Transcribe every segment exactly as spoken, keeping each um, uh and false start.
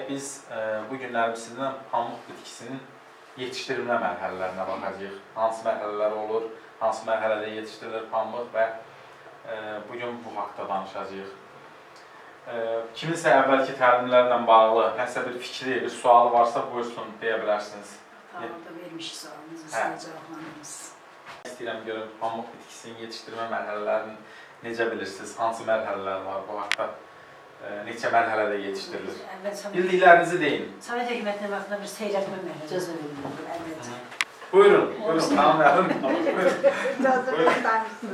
biz e, bu günlər sizdən pamuk bitkisinin yetişdirilmə mərhələlərinə baxacağıq. Hansı mərhələlər olur, hansı mərhələdə yetişdirilir pamuk və e, bugün bu haqda danışacağıq. E, kiminsə əvvəlki təlimlərlə bağlı nəsə bir fikri, bir sualı varsa buyursun, deyə bilərsiniz. Tamamda vermiş sualınızı, sizə cavablanırız. İstəyirəm görün, pamuk bitkisinin yetişdirmə mərhələlərini necə bilirsiniz, hansı mərhələlər var bu haqda? Neçə mərhələdə yetişdirilir? Bildiklərinizi deyin. Sovet hökumətinin vaxtında bir seyrətmə mərhələsi əvvəlcə. Buyurun, buyurun, tamam verin. Buyurun.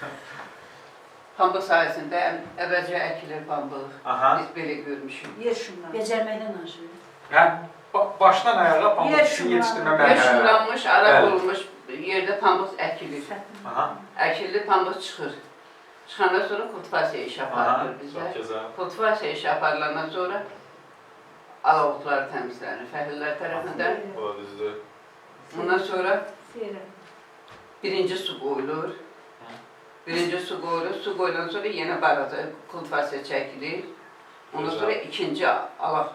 Pambıq sayəsində əvvəlcə əkilir pambıq. Biz belə görmüşük. Yer şumlar. Becərməkdən aşırı. Hə, başdan ayağa pambıq bitkisini yetişdirmə mərhələləri. Yer şumlanmış, ara olmuş yerdə pambıq əkilir. Əkildi, pambıq çıxır. Çıxandan sonra kultivasiya işi aparılır bizə. Kultivasiya işi aparılandan sonra alavotları təmizlənir fəhlilər tərəfindən. O da düzdür. Ondan sonra birinci su qoyulur. Birinci su qoyulur. Su qoyulan sonra yenə balaca kultivasiya çəkilir. Ondan sonra ikinci alaq.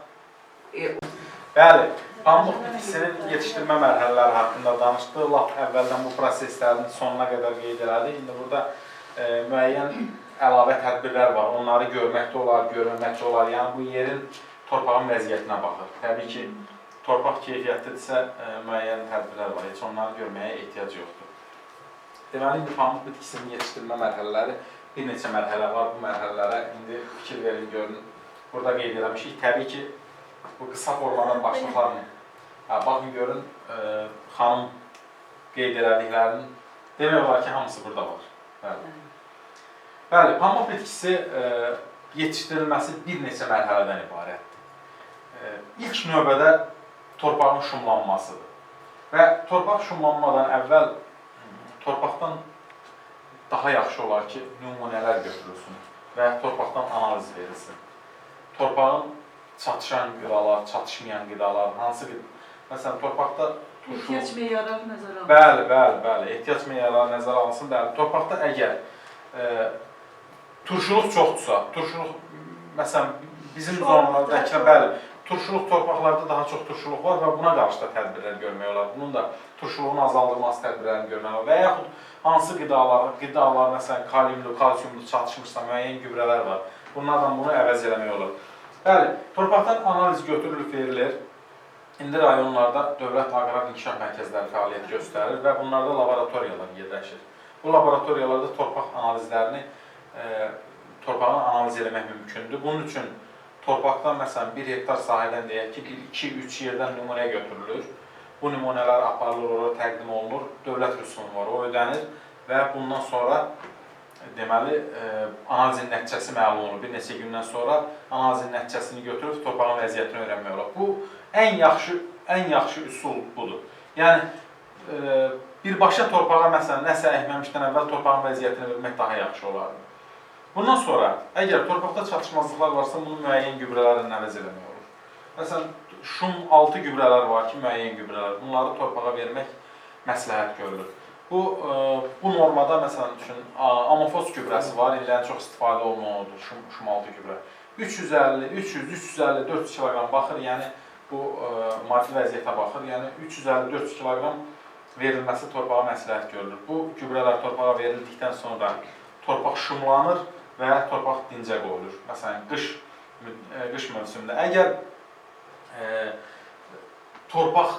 Bəli, pamuk bitkisinin yetişdirmə mərhələləri haqqında danışdıq. Lap əvvəldən bu proseslərin sonuna qədər qeyd elədik. İndi burada E, müəyyən əlavə tədbirlər var. Onları görməkdə olar, görməməkdə olar. Yəni bu yerin, torpağın vəziyyətinə baxır. Təbii ki, torpaq keyfiyyətlidirsə e, müəyyən tədbirlər var. Heç onları görməyə ehtiyac yoxdur. Deməli, indi pamuk bitkisinin yetişdirmə mərhələləri bir neçə mərhələ var. Bu mərhələlərə indi fikir verin, görün. Burada qeyd eləmişik. Təbii ki, bu qısa formadan başlıqlarını baxın, görün, e, xanım qeyd elədiklərinin demək olar ki, hamısı burada var. Bəli. Bəli, pamuk bitkisi e, yetişdirilməsi bir neçə mərhələdən ibarətdir. E, ilk növbədə torpağın şumlanmasıdır. Və torpaq şumlanmadan əvvəl torpaqdan daha yaxşı olar ki, nümunələr götürülsün və torpaqdan analiz verilsin. Torpağın çatışan qidalar, çatışmayan qidalar, hansı qidalar? Məsələn, torpaqda ehtiyac meyarları nəzərə alınsın. Bəli, bəli, bəli. Ehtiyac meyarları nəzərə alınsın. Bəli, torpaqda əgər e, turşuluq çoxdursa, turşuluq, məsələn, bizim zonalarda əkilə, bəli, turşuluq torpaqlarda daha çox turşuluq var və buna qarşı da tədbirlər görmək olar. Bunun da turşuluğun azaldılması tədbirlərini görmək olar. Və yaxud hansı qidalar, qidalar, məsələn, kaliumlu, kalsiumlu çatışmışsa, müəyyən gübrələr var. Bunlardan bunu əvəz eləmək olur. Bəli, torpaqdan analiz götürülüb verilir. İndi rayonlarda Dövlət Aqrar İnkişaf Mərkəzləri fəaliyyət göstərir və bunlarda laboratoriyalar yerləşir. Bu laboratoriyalarda torpaq analizlərini, e, torpağını analiz eləmək mümkündür. Bunun üçün torpaqdan, məsələn, bir hektar sahədən deyək ki, bir, iki, üç yerdən nümunə götürülür. Bu nümunələr aparılır, oraya təqdim olunur, dövlət rüsumu var, o ödənir və bundan sonra deməli, e, analizin nəticəsi məlum olur. Bir neçə gündən sonra analizin nəticəsini götürüb torpağın vəziyyətini öyrənmək olur. Bu, ən yaxşı, ən yaxşı üsul budur. Yəni, e, birbaşa torpağa, məsələn, nəsə əkməmişdən əvvəl torpağın vəziyyətini bilmək daha yaxşı olardı. Bundan sonra, əgər torpaqda çatışmazlıqlar varsa, bunu müəyyən gübrələrlə əvəz eləmək olur. Məsələn, şum altı gübrələr var ki, müəyyən gübrələr. Bunları torpağa vermək məsləhət görülür. Bu, e, bu normada, məsələn, düşün, amofos gübrəsi var, illərin çox istifadə olunmalıdır, şum, şum altı gübrə. üç yüz əlli, üç yüz, üç yüz əlli, dörd yüz kiloqram baxır, yəni bu e, maddi vəziyyətə baxır. Yəni üç yüz əlli, dörd yüz kiloqram verilməsi torpağa məsləhət görülür. Bu gübrələr torpağa verildikdən sonra torpaq şumlanır və torpaq dincə qoyulur. Məsələn, qış, e, qış mövsümündə. Əgər e, torpaq,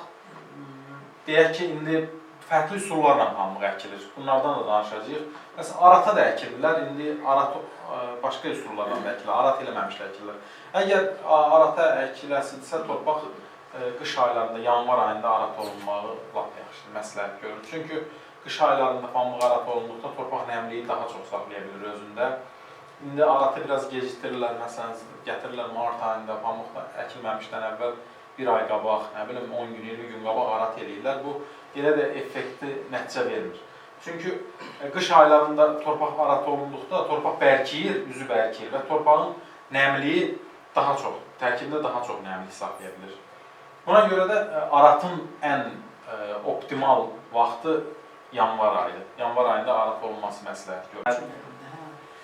deyək ki, indi fərqli üsullarla pamuk əkilir. Bunlardan da danışacağıq. Məsələn, arata da əkilirlər. İndi arat başqa üsullarla da əkilir. Arat eləməmişlə əkilirlər. Əgər arata əkiləsilsə, torpaq qış aylarında, yanvar ayında arat olunmağı lap yaxşıdır, məsləhət görülür. Çünki qış aylarında pamuk arat olunduqda torpaq nəmliyi daha çox saxlaya bilir özündə. İndi aratı biraz gecikdirirlər. Məsələn, gətirirlər mart ayında pamuk əkilməmişdən əvvəl bir ay qabaq, nə bilim, on gün, iyirmi gün qabaq arat eləyirlər. Bu, elə də effekti nəticə vermir. Çünki qış aylarında torpaq arat olunduqda torpaq bərkiyir, üzü bərkiyir və torpağın nəmliyi daha çox, tərkibində daha çox nəmlik saxlaya bilir. Buna görə də aratın ən optimal vaxtı yanvar ayıdır. Yanvar ayında arat olunması məsləhət görülür.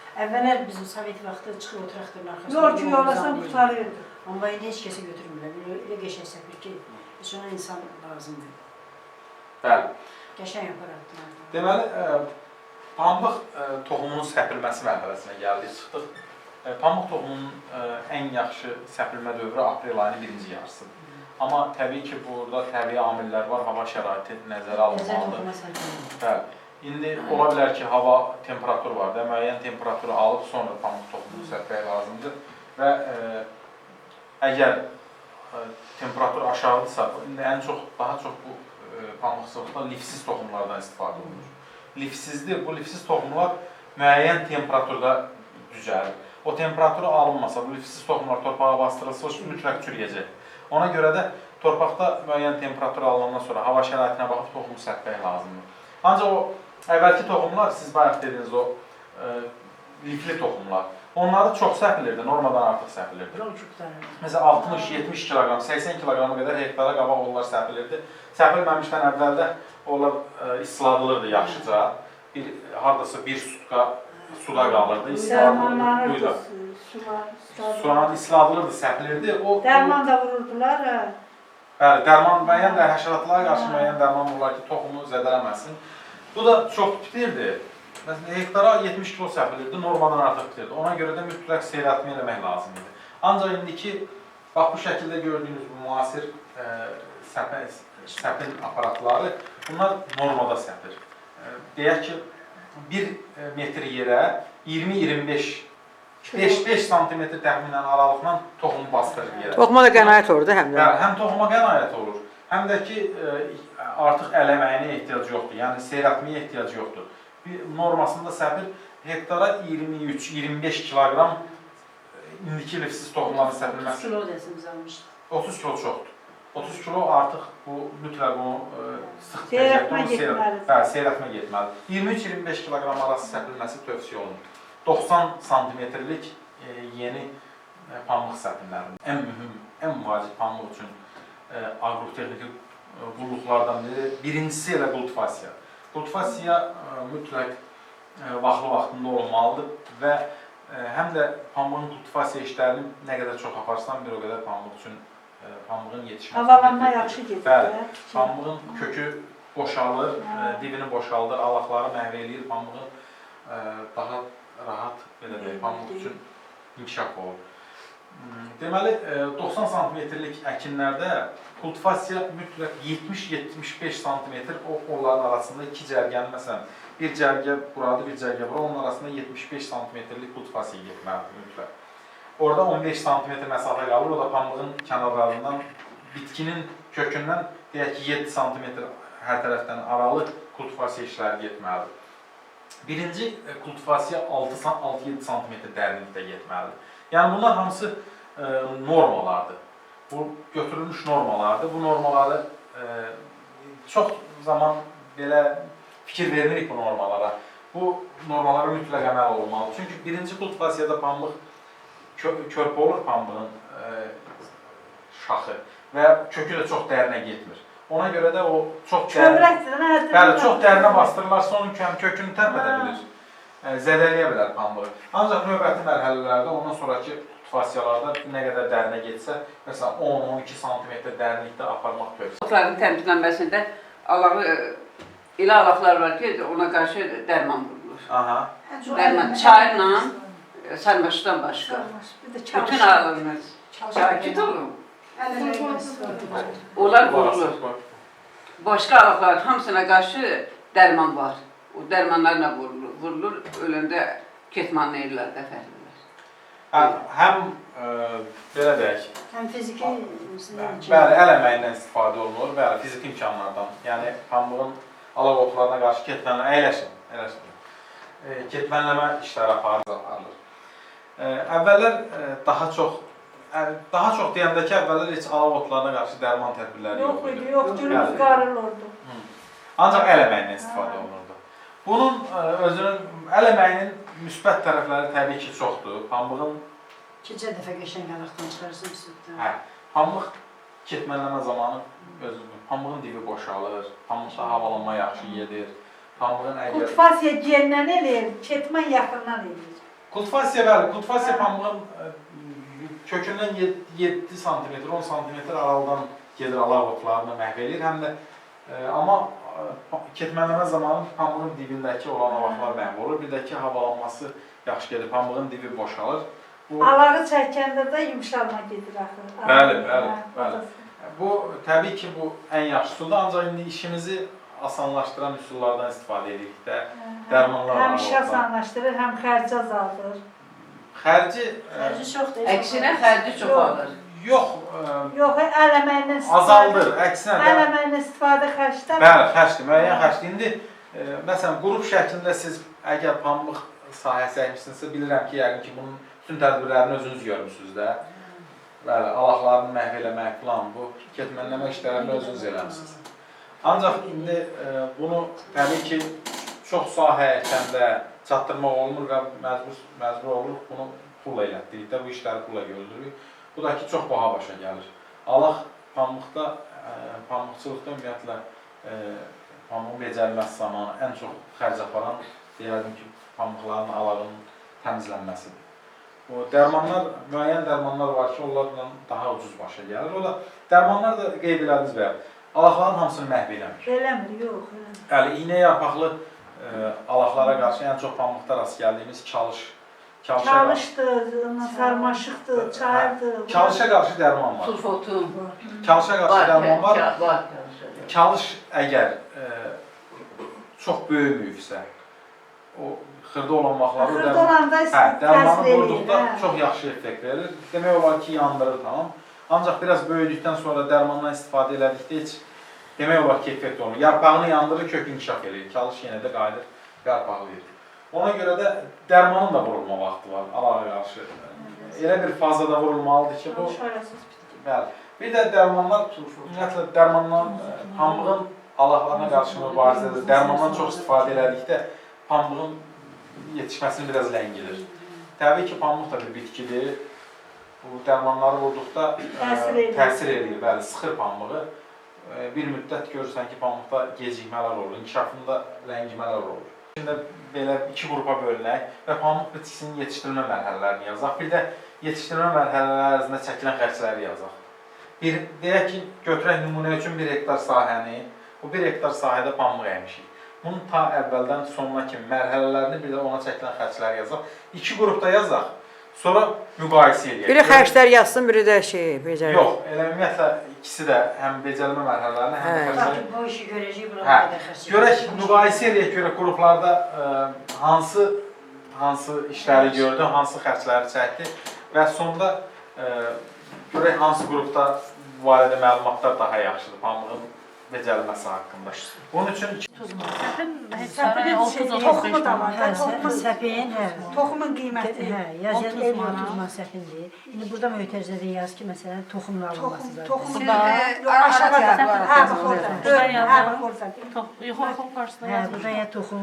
Əvvəllər bizim Sovet vaxtı çıxıb o traktorun arxasında. Yol ki, yollasan qurtarırdı. Amma indi heç kəsə götürmürlər. Elə, elə qəşəng səpir ki, heç ona insan lazımdır. Bəli. Qəşəng aparatlar. Deməli, e, pambıq e, toxumunun səpilməsi mərhələsinə gəldik, çıxdıq. E, pambıq toxumunun e, ən yaxşı səpilmə dövrü aprel ayının birinci yarısıdır. Amma təbii ki, burada təbii amillər var, hava şəraiti nəzərə alınmalıdır. Bəli. İndi ola bilər ki, hava temperaturu var da, müəyyən temperaturu alıb sonra pambıq toxumunu səpmək lazımdır. Və e, əgər e, temperatur aşağıdırsa, indi ən çox, daha çox bu e, pambıqçılıqda lifsiz toxumlardan istifadə olunur. Lifsizdir, bu lifsiz toxumlar müəyyən temperaturda düzəlir. O temperaturu alınmasa, bu lifsiz toxumlar torpağa bastırılsa, o mütləq çürüyəcək. Ona görə də torpaqda müəyyən temperatur alınandan sonra hava şəraitinə baxıb toxumu səpmək lazımdır. Ancaq o əvvəlki toxumlar, siz bayaq dediniz o e, lifli toxumlar, onları çox səpilirdi, normadan artıq səpilirdi. Məsələn, altmış yetmiş kiloqram, səksən kiloqrama qədər hektara qabaq onlar səpilirdi. Səpilməmişdən əvvəldə onlar e, isladılırdı yaxşıca. Bir, hardasa bir sutka suda qalırdı, isladılırdı. Soğan isladılırdı, səpilirdi. O, Dərman da vururdular. Bəli, dərman müəyyən də həşəratlara qarşı müəyyən dərman vururlar ki, toxumu zədələməsin. Bu da çox bitirdi. Məsələn, hektara yetmiş kilo səpilirdi, normadan artıq bitirdi. Ona görə də mütləq seyrəltmə eləmək lazım idi. Ancaq indiki, bax bu şəkildə gördüyünüz bu müasir e, səpin, səpin aparatları, bunlar normada səpir. E, deyək ki, bir metr yerə iyirmi iyirmi beş beş santimetr təxminən aralıqla toxumu bastırır yerə. Toxuma da qənaət olur da həm də. Bəli, həm toxuma qənaət olur, həm də ki, e, artıq ələməyinə ehtiyac yoxdur, yəni seyrəltməyə ehtiyac yoxdur. Bir normasında səpir hektara iyirmi üç iyirmi beş kiloqram indiki lifsiz toxumların səpilməsi. otuz kilo desimiz almışdı. otuz kilo çoxdur. otuz kilo artıq bu mütləq onu e, sıx Seyrəltmə getməlidir. Bəli, seyrəltmə getməlidir. iyirmi üç iyirmi beş kiloqram arası səpilməsi tövsiyə olunur. doxsan santimetrlik e, yeni e, pambıq səpinlərinin ən mühüm, ən vacib pambıq üçün e, agrotexniki e, qulluqlardan biri, birincisi elə kultivasiya. Kultivasiya e, mütləq e, vaxtlı vaxtında olmalıdır və e, həm də pambığın kultivasiya işlərini nə qədər çox aparsan, bir o qədər pambıq üçün e, pambığın yetişməsi. Havalanma yaxşı gedir. Bəli, pambığın kökü boşalır, e, dibini boşaldır, alaqları məhv eləyir, pambığın e, daha rahat belə deyək, pambıq üçün inkişaf olur. Deməli, doxsan santimetrlik əkinlərdə kultivasiya mütləq yetmiş yetmiş beş santimetr onların arasında iki cərgənin, məsələn, bir cərgə buradır, bir cərgə bura, onun arasında yetmiş beş santimetrlik kultivasiya getməlidir mütləq. Orada on beş santimetr məsafə qalır, o da pambığın kənarlarından, bitkinin kökündən deyək ki, yeddi santimetr hər tərəfdən aralı kultivasiya işləri getməlidir. Birinci kultivasiya altı yeddi santimetr dərinlikdə getməlidir. Yəni bunlar hamısı e, normalardır. Bu götürülmüş normalardır. Bu normaları e, çox zaman belə fikir vermirik bu normalara. Bu normalara mütləq əməl olmalıdır. Çünki birinci kultivasiyada pambıq kö körpə olur pambığın e, şaxı və kökü də çox dərinə getmir. Ona görə də o çox dərinə, bəli, çox dərinə bastırırlarsa onun kökünü tərk edə bilir, zədələyə bilər pambığı. Ancaq növbəti mərhələlərdə, ondan sonraki kultivasiyalarda nə qədər dərinə getsə, məsələn on on iki santimetr dərinlikdə aparmaq tövsiyə. Otların təmizlənməsində alağı, elə alaqlar var ki, ona qarşı dərman vurulur. Aha. Dərman çayla, sarmaşıqdan başqa. Bütün alınır. Sakit olun. Onlar vurulur. Başqa alaqların hamısına qarşı dərman var. O dərmanlarla vurulur. Vurulur, öləndə ketmanlı ellər dəfərlər. Həm e, belə deyək. Həm fiziki, bəli, əl əməyindən istifadə olunur, bəli, fiziki imkanlardan. Yəni pambığın alaq otlarına qarşı ketmənləmə, əyləşin, əyləşin. E, ketmənləmə işləri aparılır. E, əvvəllər e, daha çox Daha çox deyəndə ki, əvvəllər heç alaq otlarına qarşı dərman tədbirləri yox idi. Yox, cürümüz qarılırdı. Ancaq əl əməyindən istifadə olunurdu. Bunun özünün, əl əməyinin müsbət tərəfləri təbii ki, çoxdur. Pambığın... Keçə dəfə qəşəng alaqdan çıxarsın süddən. Hə, pambıq ketmənləmə zamanı özünün, pambığın dibi boşalır, pambıqda havalanma yaxşı gedir. Pambığın əgər... Kultivasiya gendən eləyir, ketmən yaxından eləyir. Kultivasiya, bəli, kultivasiya pambığın e, kökündən yeddi santimetr, on santimetr aralıdan gedir alaq otlarını məhv edir. Həm də e, amma e, ketmələnmə zamanı pambığın dibindəki olan alaqlar məhv olur. Bir də ki, havalanması yaxşı gedir, pambığın dibi boşalır. Bu, Alağı çəkəndə də yumşalma gedir axı. Bəli, bəli, bəli. Bu, təbii ki, bu ən yaxşısıdır, ancaq indi işimizi asanlaşdıran üsullardan istifadə edirik də, dərmanlar var. Həm işi asanlaşdırır, həm xərci azaldır. Xərci... Xərci çoxdur. Əksinə xərci çox alır. Yox, Yox, əl əməyinə istifadə. azaldır, əksinə. Əl əməyinə istifadə xərclər. Bəli, xərcdir, müəyyən xərcdir. İndi, e, məsələn, qrup şəklində siz əgər pambıq sahəsi əkmişsinizsə, bilirəm ki, yəqin ki, bunun bütün tədbirlərini özünüz görmüsünüz də. Bəli, alaqlarını məhv eləmək falan, bu ketmənləmə işlərini özünüz eləmişsiniz. Ancaq indi e, bunu təbii ki, çox sahə əkəndə çatdırmaq olmur və məcbur, məcbur oluruq bunu pulla elətdirik də, bu işləri pulla gördürürük. Bu da ki, çox baha başa gəlir. Alaq pambıqda, e, pambıqçılıqda ümumiyyətlə e, pambığın becərilməsi zamanı ən çox xərc aparan deyərdim ki, pambıqların alağının təmizlənməsidir. O dərmanlar, müəyyən dərmanlar var ki, onlarla daha ucuz başa gəlir. O da dərmanlar da qeyd elədiniz və alaqların hamısını məhv eləmir. Eləmir, yox. Eləmir. Yəni, iynə yarpaqlı e, alaqlara qarşı ən çox pambıqda rast gəldiyimiz çalış. Çalışdır, sarmaşıqdır, çayırdır. Çalışa qarşı dərman var. Sulfotum. Çalışa qarşı dərman var. Var. Çalış əgər e, çox böyümüyübsə, o xırda olan vaxtları Xırda olanda hə, dərmanı təsir vurduqda eləyir, çox yaxşı effekt verir. Demək olar ki, yandırır, tamam. Ancaq biraz böyüdükdən sonra dərmandan istifadə elədikdə heç demək olar ki, effekt olmur. Yarpağını yandırır, kök inkişaf edir. Çalış yenə də qayıdır, yarpaqlayır. Ona görə də dərmanın da vurulma vaxtı var, alağa qarşı. Elə bir fazada vurulmalıdır ki, bu... Bəli. Bir də dərmanlar, ümumiyyətlə, dərmandan, pambığın alaqlarına qarşı mübarizədir. Dərmandan çox istifadə elədikdə pambığın yetişməsini biraz ləngilir. Təbii ki, pambıq da bir bitkidir. Bu dərmanları vurduqda təsir edir, bəli, sıxır pambığı. Bir müddət görürsən ki, pambıqda gecikmələr olur, inkişafında ləngimələr olur. Şimdi belə iki qrupa bölünək və pambıq bitkisinin yetişdirmə mərhələlərini yazaq. Bir də yetişdirmə mərhələləri ərzində çəkilən xərcləri yazaq. Bir, deyək ki, götürək nümunə üçün bir hektar sahəni, bu bir hektar sahədə pambıq əymişik. Bunun ta əvvəldən sonuna kimi mərhələlərini, bir də ona çəkilən xərcləri yazaq. İki qrupda yazaq, sonra müqayisə edək. Biri xərclər yazsın, biri də şey, becərir. Yox, elə ümumiyyətlə ikisi də həm becərilmə mərhələlərini, həm də xərcləri. Bu işi görəcək, buna Hə, qədər xərclər. görək, müqayisə edək, görək qruplarda ə, hansı, hansı işləri gördü, hansı xərcləri çəkdi və sonda ə, görək hansı qrupda bu barədə məlumatlar daha yaxşıdır, pambığın becərilməsi haqqında. Bunun üçün Toxumu da var. Toxumun Səpəyin, hə. Toxumun qiyməti. Hə, yazılmış otuz man səpindir. İndi burada mötərizədə yaz ki, məsələn, toxumla alınması Toxum, zaten. toxum aşağıda. Hə, bax orada. Hə, bax orada. Yoxun qarşısında Hə, yazmış. burada ya toxum.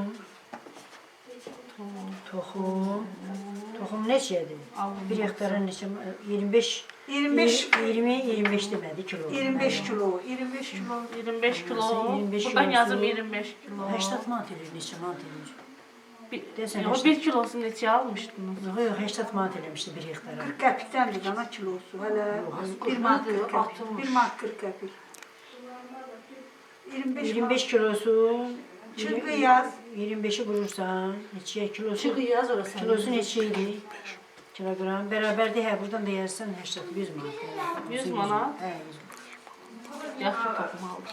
Toxum. Toxum neçədir? Bir hektara neçə? iyirmi beş. iyirmi beş. iyirmi, iyirmi beş demədi kilo. iyirmi beş kilo. iyirmi beş kilo. iyirmi beş kilo. iyirmi beş Buradan kilosu. yazım iyirmi beş kilo. səksən manat edir, neçə manat edir? Bir, Desene yox, işte. bir kilosunu neçə almışdınız? Yox, yox, səksən manat eləmişdi bir hektara. qırx qəpikdəndir cana kilosu. Hələ bir manat qırx qəpik. bir manat qırx qəpik. iyirmi beş iyirmi beş kilosu. Çırpı yaz. iyirmi beşi vurursan, neçəyə kilosu? Çığı yaz orası. Kilosu neçə idi? Kilogram bərabərdir, hə, buradan da yazsan səksən, yüz manat. yüz manat? Hə, yüz manat. Yaxşı toxum aldım.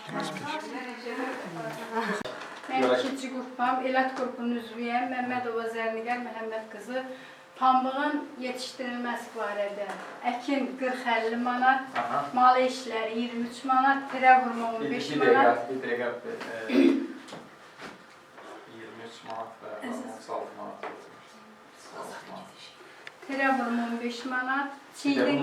Mən ikinci qrupam, Elət qrupunun üzvüyəm, Məmmədova Zərniqər Məhəmməd qızı. Pambığın yetişdirilməsi barədə əkin qırx əlli manat, mal işləri iyirmi üç manat, tirə vurma on beş manat. Bir dəqiqə, iyirmi üç manat və otuz altı manat. Tirə vurma on beş manat, çiydin,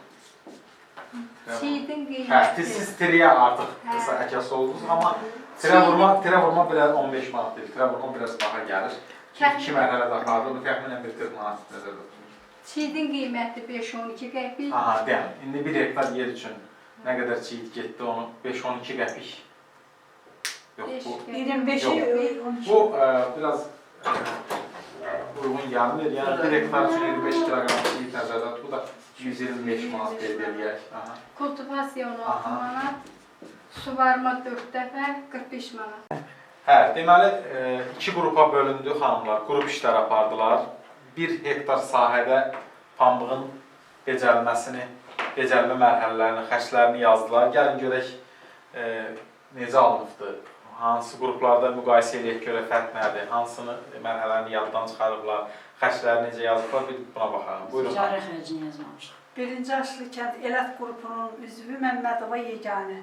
çiydin Hə, qiyməti. siz triyə artıq qısa əkəsi oldunuz, amma tirə vurma, tirə vurma biraz on beş manat deyil, tirə vurma biraz daha gəlir. İki mərhələdə apardı, bu təxminən bir qırx manat nəzərdə tutulur. Çiydin qiyməti beş on iki qəpik. Aha, deyəm, indi bir hektar yer üçün nə qədər çiğit getdi onu beş on iki qəpik. Yox, bu, iyirmi beşi bu ə, biraz ə, uyğun gəlmir. Yəni bir hektar üçün iyirmi beş kiloqram çiğ nəzərdə tutub da yüz iyirmi beş manat verib eləyək. Kultivasiya on altı manat, suvarma dörd dəfə qırx beş manat. Hə, deməli e, iki qrupa bölündü xanımlar. Qrup işlər apardılar. bir hektar sahədə pambığın becərilməsini, becərilmə mərhələlərini, xərclərini yazdılar. Gəlin görək e, necə alınıbdır, hansı qruplarda müqayisə eləyək görək fərq nədir, hansını mərhələlərini yaddan çıxarıblar, xərcləri necə yazıblar, bir buna baxalım. Buyurun. Ticarət xərcini yazmamışıq. Birinci Aşlı kənd Elət qrupunun üzvü Məmmədova Yeganə.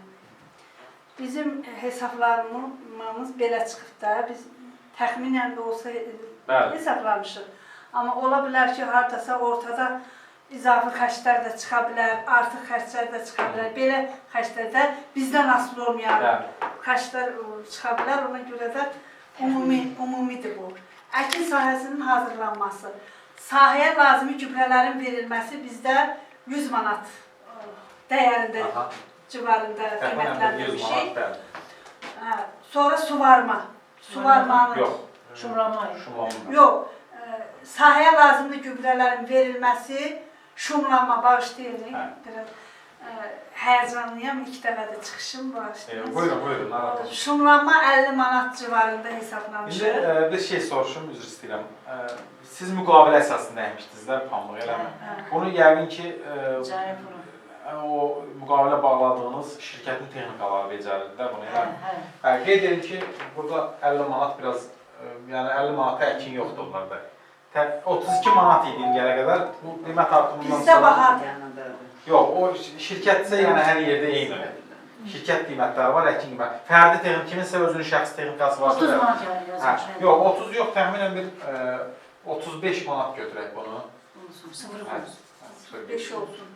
Bizim hesablarımız belə çıxıb da, biz təxminən də olsa Bəli. hesablamışıq. Amma ola bilər ki, haradasa ortada izafi xərclər də çıxa bilər, artıq xərclər də çıxa bilər. Belə xərclər də bizdən asılı olmayan Bəli. xərclər çıxa bilər. Ona görə də ümumi, ümumidir bu. Əkin sahəsinin hazırlanması, sahəyə lazımi gübrələrin verilməsi bizdə yüz manat dəyərində Aha. civarında qiymətləndirmişik. Bəli. Hə, sonra suvarma. Suvarmanın Yox. Şumlama. Şumlama. Yox, ə, sahəyə lazımlı gübrələrin verilməsi, şumlanma bağışlayın. Hə. Biraz ə, həyəcanlıyam, ilk dəfə də çıxışım E, bağışlayın. buyurun, buyurun. narahat Şumlanma əlli manat civarında İndi hesablamışıq. e, bir şey soruşum, üzr istəyirəm. E, siz müqavilə əsasında əmişdinizlər pambıq, eləmi? Hə. Bunu yəqin ki, e, Ticarət bunu. o müqavilə bağladığınız şirkətin texnikaları becərirdilər bunu, Hə, eləmi? hə. Hə, qeyd edin ki, burada əlli manat biraz, e, yəni əlli manata əkin yoxdur bunlarda. Tə- otuz iki manat idi indiyə qədər, bu qiymət artımından Bizdə bahadır. Yox, o şirkətsə yəni hər yerdə eynidir. Şirkət qiymətləri var, əkin qiymətləri. Fərdi texnik, kiminsə özünün şəxsi texnikası varsa... otuz manat yəni Hə, yazmışıq. yox, otuz yox, təxminən bir e, otuz beş manat götürək bunu. Sıfır Hə, qoyuz. hə, beş olsun.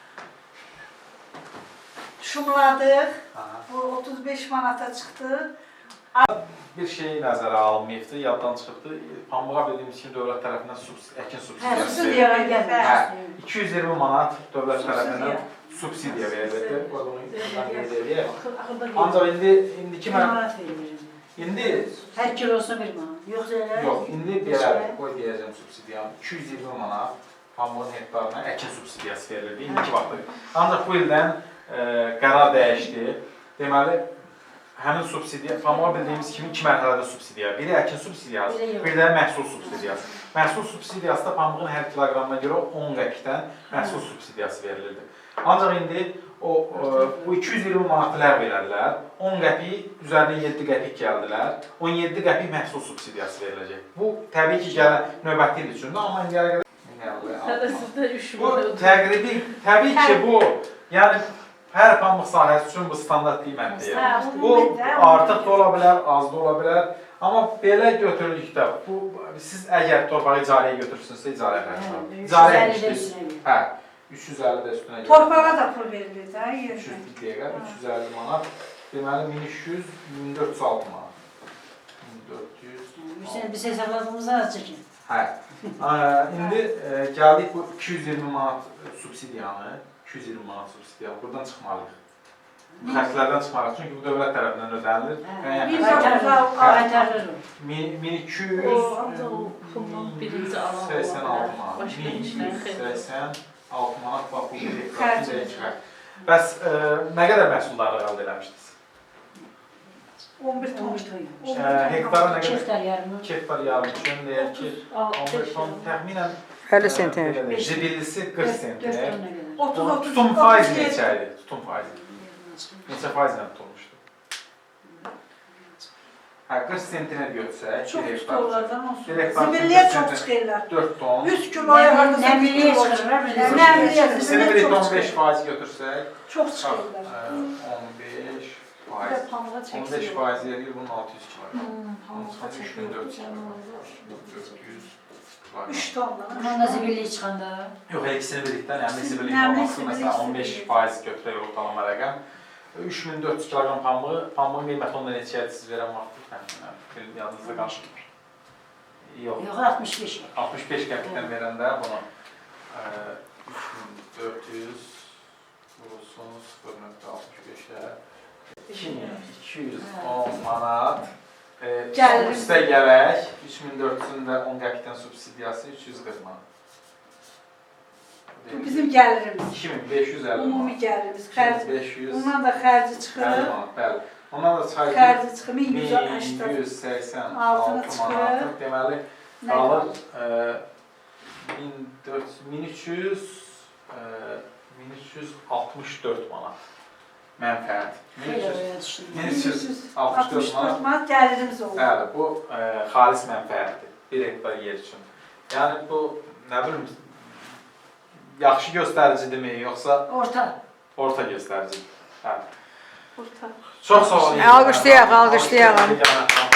Şumladıq, Aha. bu otuz beş manata çıxdı. Bir şey nəzərə alınmayıbdır, yaddan çıxıbdır. Pambığa bildiyimiz kimi dövlət tərəfindən subsidi, əkin Hə, subsidiyası subsidiya verilir. gəlmir. Hə, iki yüz iyirmi manat dövlət Subsidiya. tərəfindən subsidiya verilirdi. Bunu buradan qeyd edək. Axırda Ancaq indi indiki bir mən manat verilir. indi Hər kilosuna bir manat. Yoxsa elə? yox, indi belə qoy deyəcəm subsidiyanı. iki yüz iyirmi manat pambığın hektarına əkin subsidiyası verilirdi indiki vaxtda. Ancaq bu ildən e, qərar dəyişdi. Deməli həmin subsidiya, pambığa bildiyimiz kimi iki mərhələdə subsidiya. Biri əkin subsidiyası, bir də məhsul subsidiyası. Məhsul subsidiyası da pambığın hər kiloqramına görə on qəpikdən məhsul subsidiyası verilirdi. Ancaq indi o, o bu iki yüz iyirmi manatı ləğv elədilər. on qəpik üzərinə yeddi qəpik gəldilər. on yeddi qəpik məhsul subsidiyası veriləcək. Bu təbii ki, gələn növbəti il üçündür, amma indiyə qədər Sizdə üç bu təqribi, təbii ki, bu yəni hər pambıq sahəsi üçün bu standart qiymətdir. Hə, Bu artıq da ola bilər, az da ola bilər. Amma belə götürülükdə, bu siz əgər torpağı icarəyə götürürsünüzsə icarə xərci var. İcarə etmişsiniz. Hə, üç yüz əlli də üstünə gəlir. Torpağa da pul verilir də, üç yüz yerdə. bir dəqiqə, üç yüz əlli manat. Deməli min üç yüz, min dörd yüz altı manat. min dörd yüz. Hüseyin biz hesabladığımızda az çəkin. Hə. Ə, indi ə, gəldik bu iki yüz iyirmi manat subsidiyanı, iki yüz iyirmi manat subsidiyanı buradan çıxmalıyıq. Xərclərdən çıxmalıyıq çünki bu dövlət tərəfindən ödənilir. Bir Yəni Qaytarılır. min iki yüz birinci alan səksən altı manat, Başqa min iki işlər yüz səksən altı manat bax bu bir Xərc. hektar. Bəs ə, nə qədər məhsulları əldə eləmişdiniz? on bir ton. on bir ton. Ə, hektara nə iki qədər? hektar yarımı. iki hektar yarım üçün deyək ki, on bir ton təxminən əlli sentner. Zibillisi qırx dörd sentner. tona qədər. otuz otuz Tutum faiz neçə idi? Tutum faizi. Neçə faizlə tutulmuşdu? Hə, qırx sentner götürsək, Çox bir hektar. tuturlardan olsun. Bir hektar Zibilliyə üçün çox qırx çıxırlar. dörd ton. yüz kiloya hardasa Nəmliyə bir kilo çıxırlar. bir də Nəmliyə, zibilliyə. İkisini zibilliyə bir çox on beş çıxırlar. faiz götürsək, Çox bax, çıxırlar. ə, on beş Bir faiz. də pambığa on beş çəksin. faiz edir bunun altı yüz kiloqram. Pambığa üç min dörd yüz çəksin. dörd yüz kiloqram. üç tonla. Bunun da zibilliyi çıxanda. Yox, hər ikisini birlikdə, nəmli zibillik Nəmli olması, zibillik, məsələn, on beş zibillik. faiz götürək ortalama rəqəm. üç min dörd yüz kiloqram pambığı, pambığın qiyməti onda neçəyə siz verən vaxtı təxminən, bir yadınızda qarşılayır. Yox, Yox, altmış beş. altmış beş qəpikdən verəndə bunu ə, üç min dörd yüz vurulsun sıfır nöqtə altmış beşə iki min iki yüz on manat E, Gəlirimiz. üstə gələk, üç min dörd yüzün də on qəpikdən subsidiyası üç yüz qırx manat. Bu bizim gəlirimiz. iki min beş yüz əlli Ümumi manat. gəlirimiz. iki min Xərc. beş yüz Ondan da xərci əlli çıxır. manat, bəli. Ondan da çıxar ki, Xərci çıxır min yüz min səksən. yüz səksən Altına altı çıxır. manat. Deməli, Nə qalır qalır? e, min dörd yüz, min üç yüz, e, min üç yüz altmış dörd manat mənfəət. min üç yüz min üç yüz altmış dörd altmış dörd manat. manat gəlirimiz olur. Bəli, bu e, xalis mənfəətdir. bir hektar yer üçün. Yəni bu nə bilim yaxşı göstəricidirmi, yoxsa Orta. orta göstəricidir? Bəli. Orta. Çox sağ olun. Alqışlayaq, alqışlayaq. Alqışlayaq.